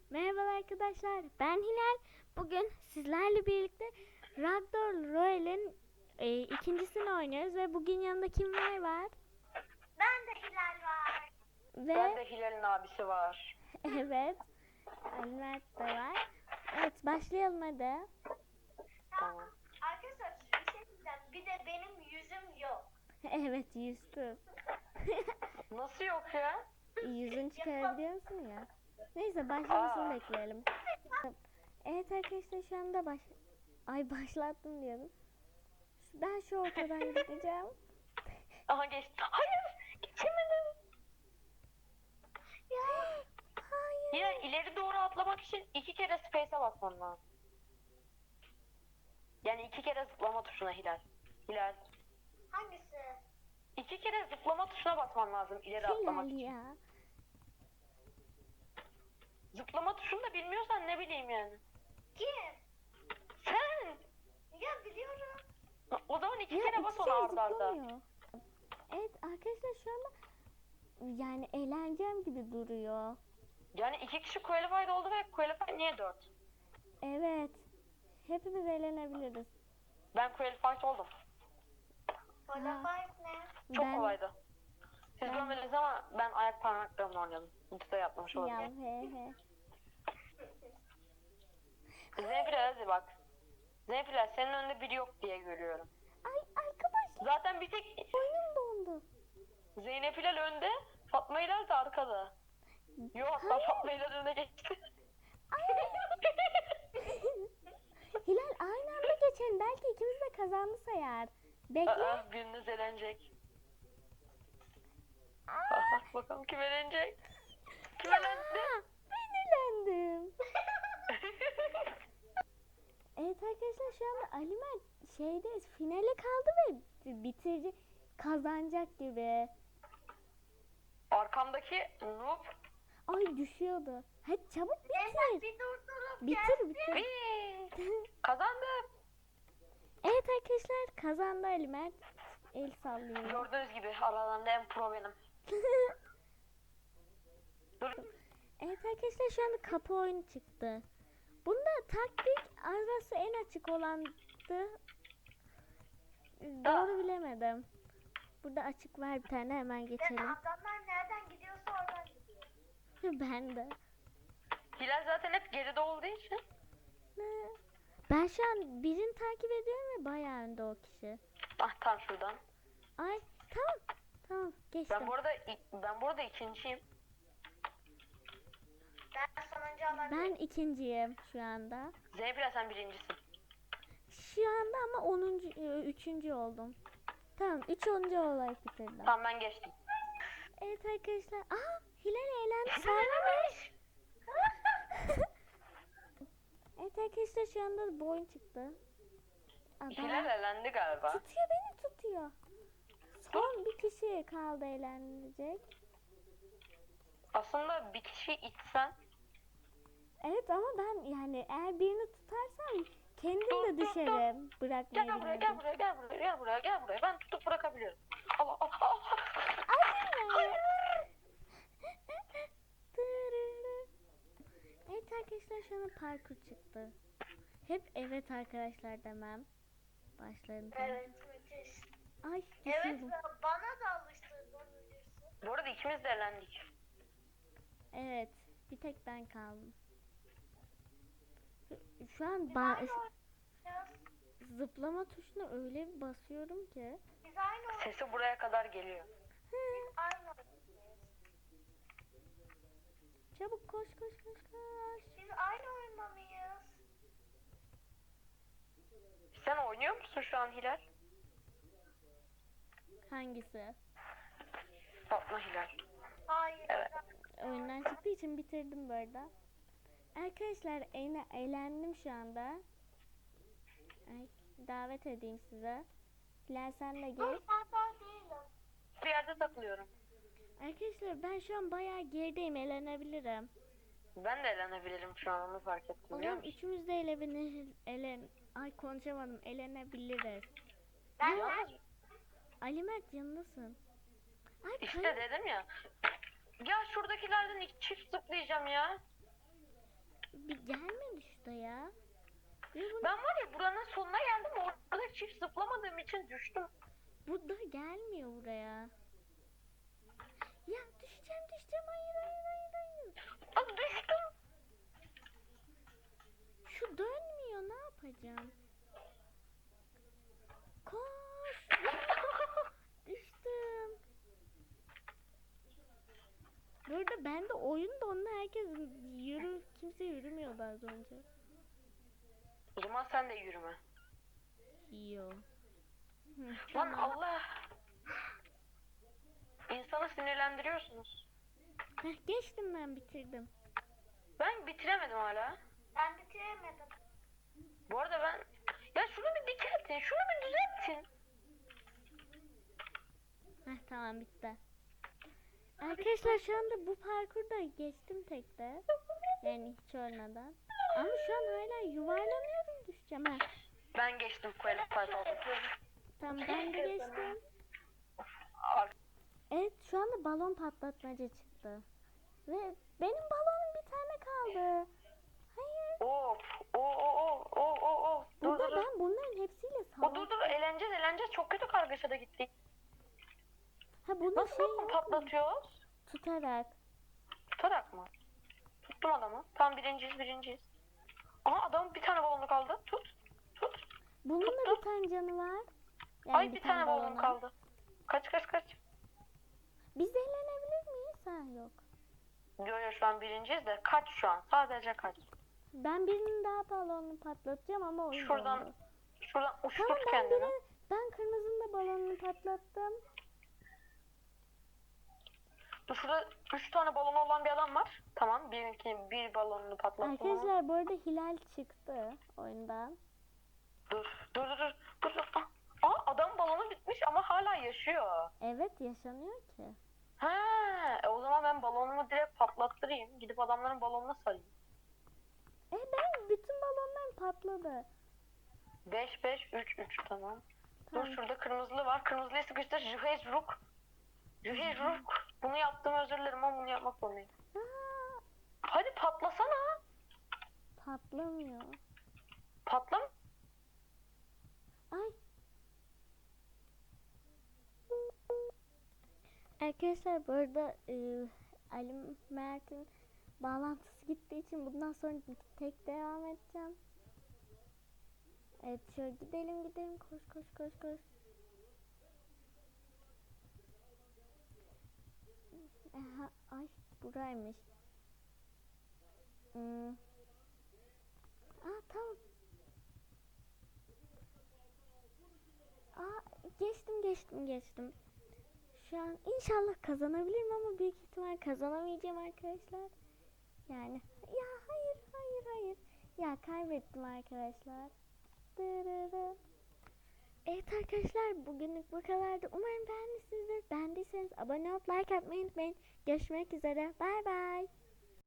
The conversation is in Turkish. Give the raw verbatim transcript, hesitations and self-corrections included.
Merhaba arkadaşlar, ben Hilal. Bugün sizlerle birlikte Ragdoll Royale'in e, ikincisini oynuyoruz ve bugün yanında kimler var? Ben de Hilal var. Ben Ve de Hilal'in abisi var. evet, Ali Mert de var. Evet, başlayalım hadi. Tamam. Arkadaşlar bir şey diyeceğim. Bir de benim yüzüm yok. Evet, yüzsüz. Nasıl yok ya? Yüzün çıkarabiliyor musun ya? Neyse, başlamasını Aa. bekleyelim. Evet arkadaşlar, şu anda baş... Ay başlattım diyordum. Ben şu ortadan gideceğim. Aha geçti. Hayır geçemedim. Ya, hayır. Hilal ileri doğru atlamak için iki kere space'e basman lazım. Yani iki kere zıplama tuşuna Hilal. Hilal. Hangisi? İki kere zıplama tuşuna basman lazım ileri atlamak Hilal için. ya. Zıplama tuşunu da bilmiyorsan ne bileyim yani. Kim? Sen. Ya biliyorum. O zaman iki Ya kere iki bas kere onu arda arda. zıplamıyor. Evet arkadaşlar şu anda yani eğleneceğim gibi duruyor. Yani iki kişi qualified oldu ve qualified niye dört? Evet. Hepimiz eğlenebiliriz. Ben qualified oldum. Qualified ne? Çok ben kolaydı. Siz ben- görmediniz ama ben ayak parmaklarımla oynadım. Ultide yapmış ya olabilirim. he he. Zenfile hadi bak. Zenfile senin önünde biri yok diye görüyorum. Ay arkadaşlar Zaten bir tek oyun dondu. Zeynep Hilal önde, Fatma Hilal de arkada. Yok hatta Hayır. Fatma Hilal önüne geçti. Hilal aynı anda geçelim. Belki ikimiz de kazandı sayar. Bekle. Aa, biriniz eğlenecek. Bak bakalım kim eğlenecek. Kim Ya, eğlendi? ben eğlendim. Evet arkadaşlar şu anda Ali Mert şeyde finale kaldı ve bitirici kazanacak gibi. Arkamdaki noob. Ay düşüyordu. Hadi çabuk Neyse bitir. bir durdurup Bitir bitir. Whee! Kazandım. Evet arkadaşlar kazandı Ali Mert. El sallıyor. Gördüğünüz gibi aralarında en pro benim. Dur. Evet arkadaşlar şu anda kapı oyunu çıktı. Bunda taktik arası en açık olandı. Doğru bilemedim. Burada açık var bir tane hemen Yani geçelim. adamlar nereden gidiyorsa oradan gidiyor. Ben de. Hilal zaten hep geride olduğu için. Ne? Ben şu an birini takip ediyorum ve bayağı önde o kişi. Ah tam şuradan. Ay tamam. Tamam geçtim. Ben bu arada ben burada ikinciyim. Ben sonuncu olabilirim. Ben ikinciyim şu anda. Zeynep sen birincisin. Şu anda ama onuncu, üçüncü oldum. Tamam, üç onuncu olarak bitirdim. Tamam ben geçtim. Evet arkadaşlar. Aa, Hilal eğlendi. Sarmamış. Evet arkadaşlar şu anda bu oyun çıktı. Aa, Hilal bana- elendi galiba. tutuyor beni tutuyor. Son bir kişi kaldı eğlenecek. Aslında bir kişi itsen. Evet ama ben yani eğer birini tutarsam kendim Dur, de dur, dur. düşerim. Bırakmayı Gel buraya gel bilmedim. buraya gel buraya gel buraya gel buraya. Ben tutup bırakabiliyorum. Allah Allah Allah. Hayır. Evet arkadaşlar şu anda parkur çıktı. Hep evet arkadaşlar demem. Başlarım. Evet müthiş. Ay Evet düşüyordum. bana da alıştırdın bilirsin. Bu arada ikimiz de elendik. Evet. Bir tek ben kaldım. Şu an Biz ba- aynı oynayacağız. zıplama tuşuna öyle bir basıyorum ki. Biz aynı oynayacağız. Sesi buraya kadar geliyor. Aynı oynayacağız. Çabuk koş koş koş koş. Biz aynı oyunda mıyız? Sen oynuyor musun şu an Hilal? Hangisi? Fatma Hilal. Hayır. Evet. Oyundan çıktığı için bitirdim bu arada. Arkadaşlar eğne- eğlendim şu anda. Ay, davet edeyim size. Hilal sen de Dur gel. ben daha değilim. Bir yerde takılıyorum. Arkadaşlar ben şu an bayağı gerideyim, eğlenebilirim. Ben de elenebilirim şu an onu fark O ettim biliyor zaman musun? üçümüz de elene, elen, ay konuşamadım, elenebiliriz. Ben Yalnız Ali Mert yanındasın. Ay işte kay- dedim ya. Ya şuradakilerden iki çift zıplayacağım ya. Bir gelme düştü ya. Ve bu, Ben var ya buranın sonuna geldim. Orada çift zıplamadığım için düştüm. bu da gelmiyor buraya. Ya düşeceğim düşeceğim. Hayır hayır hayır hayır. Aa, düştüm. Şu dönmüyor, ne yapacağım? Koş. Düştüm. Burada ben de oyunda onunla herkes yürü, kimse yürümüyordu az önce. O zaman sen de yürüme. Yo. Hı, Lan tamam. Allah. İnsanı sinirlendiriyorsunuz. Heh, geçtim, ben bitirdim. Ben bitiremedim hala. Ben bitiremedim. Bu arada ben... Ya şunu bir dikeltin, şunu bir düzeltin. Heh, tamam bitti. Arkadaşlar şu anda bu parkurda geçtim tek de. Yani hiç ölmeden. Ama şu an hala yuvarlanıyorum, düşeceğim. Ha. Ben geçtim qualified oldum. Tamam, ben de geçtim. Ar- Evet, şu anda balon patlatmaca çıktı. Ve benim balonum bir tane kaldı. Hayır. Of, o o o o o o. Dur Burada dur dur. ben bunların hepsiyle O dur savaştım. dur eğleneceğiz eğleneceğiz. Çok kötü kargaşada gittik. Ha, bunu Nasıl şey balon yok mu? patlatıyoruz? Tutarak. Tutarak mı? Tuttum adamı. Tam birinciyiz birinciyiz. Aha adamın bir tane balonu kaldı. Tut. Tut. Bunun da Tuttum. bir tane canı var. Yani Ay bir tane balon balonu. kaldı. Kaç kaç kaç. Biz eğlenebilir miyiz? Ha, yok. Yo yo şu an birinciyiz de kaç şu an. Sadece kaç. Ben birinin daha balonunu patlatacağım ama oyun Şuradan dondu. şuradan Tamam, uçturt ben kendini. biri, ben kırmızının da balonunu patlattım. Dur şurada üç tane balonu olan bir adam var. Tamam birinki bir balonunu patlattım ama. Arkadaşlar bu arada Hilal çıktı oyundan. Dur dur dur dur. dur, dur. Ah, Aa adam balonu bitmiş ama hala yaşıyor. Evet, yaşanıyor ki. He, e o zaman ben balonumu direkt patlattırayım. Gidip adamların balonuna sarayım. E ben bütün balonlarım patladı. beş beş üç üç tamam. Tamam. Dur şurada kırmızılı var. Kırmızıyı sıkıştır. Juhej Ruk. Juhej Ruk. Bunu yaptım özür dilerim ama bunu yapmak zorundayım. Aa, Hadi patlasana. patlamıyor. Patlam. Ay. Arkadaşlar bu arada e, Ali Mert'in bağlantısı gittiği için bundan sonra tek devam edeceğim. Evet, şöyle gidelim gidelim, koş koş koş koş. Aha, ay buraymış. Hmm. Aa tamam. Aa, geçtim geçtim geçtim. Şu an inşallah kazanabilirim ama büyük ihtimal kazanamayacağım arkadaşlar. Yani ya hayır hayır hayır. Ya kaybettim arkadaşlar. Dırırı. Evet arkadaşlar, bugünlük bu kadardı. Umarım beğenmişsinizdir. Beğendiyseniz abone olup like atmayı unutmayın. Görüşmek üzere. Bay bay.